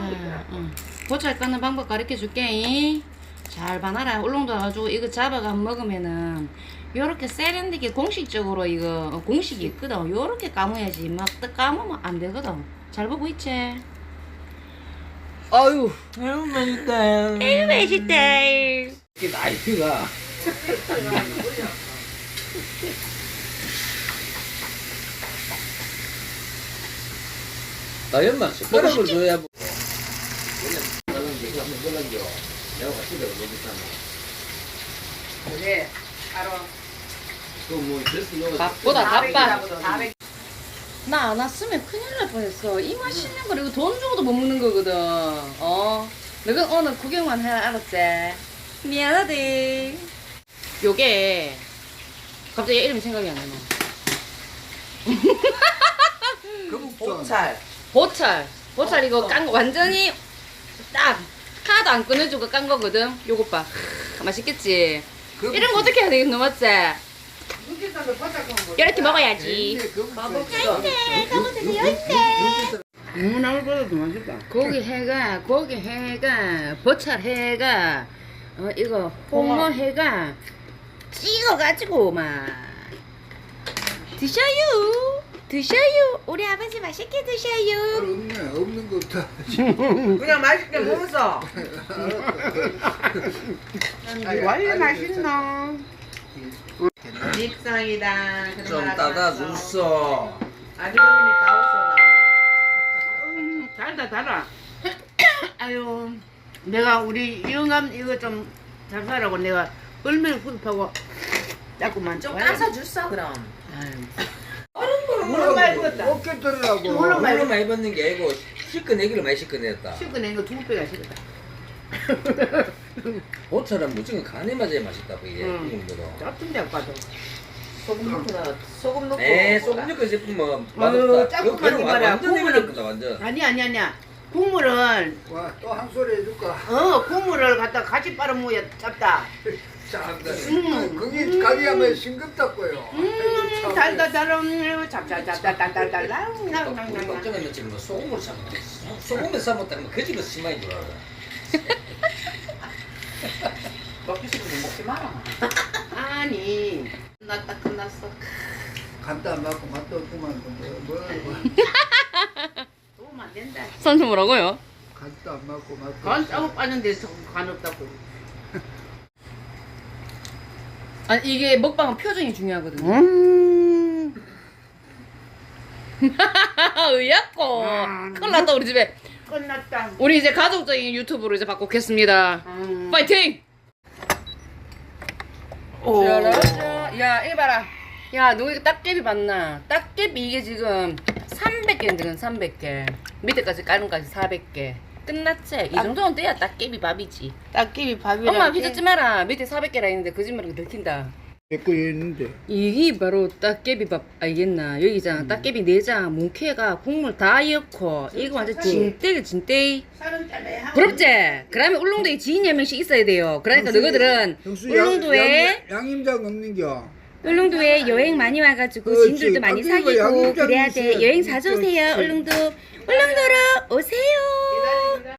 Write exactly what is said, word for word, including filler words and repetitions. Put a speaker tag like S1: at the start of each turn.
S1: 응. 보찰 까는 방법 가르쳐 줄게. 잘 봐놔라. 울릉도 와가지고 이거 잡아가 먹으면은 요렇게 세련되게 공식적으로 이거 어, 공식이 있거든. 요렇게 까먹어야지. 막 딱 까먹으면 안 되거든. 잘 보고 있지? 아유,
S2: 너무 맛있다.
S1: 에이 맛있다.
S2: 이게 나이트가 나연만 숟가락을 줘야 뭐.
S3: 그래, 알아.
S2: 그뭐
S1: 밥보다 바빠. 나 안 왔으면 큰일 날 뻔했어. 이 맛있는 거 이거 돈 주고도 못 먹는 거거든. 어. 너가 오늘 구경만 해, 알았지? 미안하대. 요게 갑자기 이름이 생각이 안 나네.
S3: 보찰.
S1: 보찰. 보찰 이거 깐 거 완전히 딱 하나도 안 꺼내주고 깐 거거든. 요것 봐. 맛있겠지? 이런 거 어떻게 해야 되겠노, 맞지? 이렇게 먹어야지.
S2: 문화보다도 맛있다.
S1: 고기 해가, 고기 해가, 보찰 해가, 어, 이거 홍어 해가 찍어가지고 막 드셔요. 드셔요. 우리 아버지 맛있게 드셔요.
S4: 없네, 없는 것부터.
S3: 그냥 맛있게 먹었어.
S4: 원래 맛있나?
S3: 밉상이다.
S2: 좀 따다 줬어.
S3: 아주버님이 따왔어.
S4: 음, 달다, 달아. 아유, 내가 우리 영감 이거 좀 잘 사라고 내가 얼마나 후습하고 자꾸만.
S3: 좀 까서 줬어 그럼.
S4: 물론 많이 먹었다. 어깨 들으라고.
S3: 물론 많이
S2: 물로 많이 받는 게 아니고 씻어내기를 많이 씻어냈다.
S4: 씹어낸 거 두 배가 싫다.
S2: 보처럼 무조건 간에 맞아야 맛있다고 이게
S4: 응.
S2: 국물도.
S4: 짭든데 아까도.
S3: 소금 넣고 나 소금 넣고.
S2: 에 소금 넣고 싶으면
S4: 아유,
S2: 맛없다.
S4: 조금만
S2: 그거는
S4: 입어라.
S2: 완전
S4: 국물은-
S2: 내밀었다 완전.
S4: 아니 아니 아니야. 국물은
S5: 와, 또 한 소리 해줄까?
S4: 어 국물을 갖다 같이 빨아먹어야 짭다.
S5: 짠다.
S4: 음.
S5: 거기 가리하면 싱겁다고요.
S4: 음 달다 달음 짭짭짭짭짭짭짭.
S2: 깜짝이야 며칠 뭐 소금을 삶아. 소금에 삶았다면 그 집에서 심하게 줄 알아.
S3: 먹기 싫으면 먹지 마라.
S4: 아니 끝났다 끝났어.
S5: 간도 안 맞고 맛도 없구만. 뭐, 뭐, 뭐.
S4: 도움 안 된다.
S1: 선수 뭐라고요?
S5: 간도 안 맞고 맛도
S4: 간
S5: 없어.
S4: 짜고 빠는데 간 없다고.
S1: 아니 이게 먹방은 표정이 중요하거든요.
S4: 음.
S1: 의약고 큰일 났다 우리 집에.
S4: 끝났다.
S1: 우리 이제 가족적인 유튜브로 이제 바꾸겠습니다.
S4: 음.
S1: 파이팅!
S4: 오.
S1: 짜라짜. 야 이거 봐라. 야 너 이거 딱개비 봤나? 딱개비 이게 지금 삼백 개인데 삼백 개. 밑에까지 까는까지 사백 개. 끝났지? 이 정도는 돼야 딱개비 밥이지.
S4: 딱끼비 밥이랑.
S1: 엄마 휘젓지 마라. 밑에 사백 개라 했는데 거짓말이 들킨다.
S5: 내거 있는데.
S1: 이게 바로 딱개비밥 알겠나? 여기잖아. 딱개비 내장, 뭉케가 국물 다 넣고 이거 완전 진떼기 진떼.
S4: 살은 잘라야 하고.
S1: 부럽지? 그러면 울릉도에 지인 한 명씩 있어야 돼요. 그러니까 너희들은
S5: 형수
S1: 울릉도에
S5: 양, 양임장 없는겨.
S1: 울릉도에 여행 많이 와가지고
S5: 그렇지.
S1: 지인들도 많이
S5: 아, 그러니까
S1: 사귀고
S5: 양육장이
S1: 그래야 돼.
S5: 있어야
S1: 여행
S5: 돼.
S1: 자주 오세요.
S5: 그렇지.
S1: 울릉도. 울릉도로 오세요.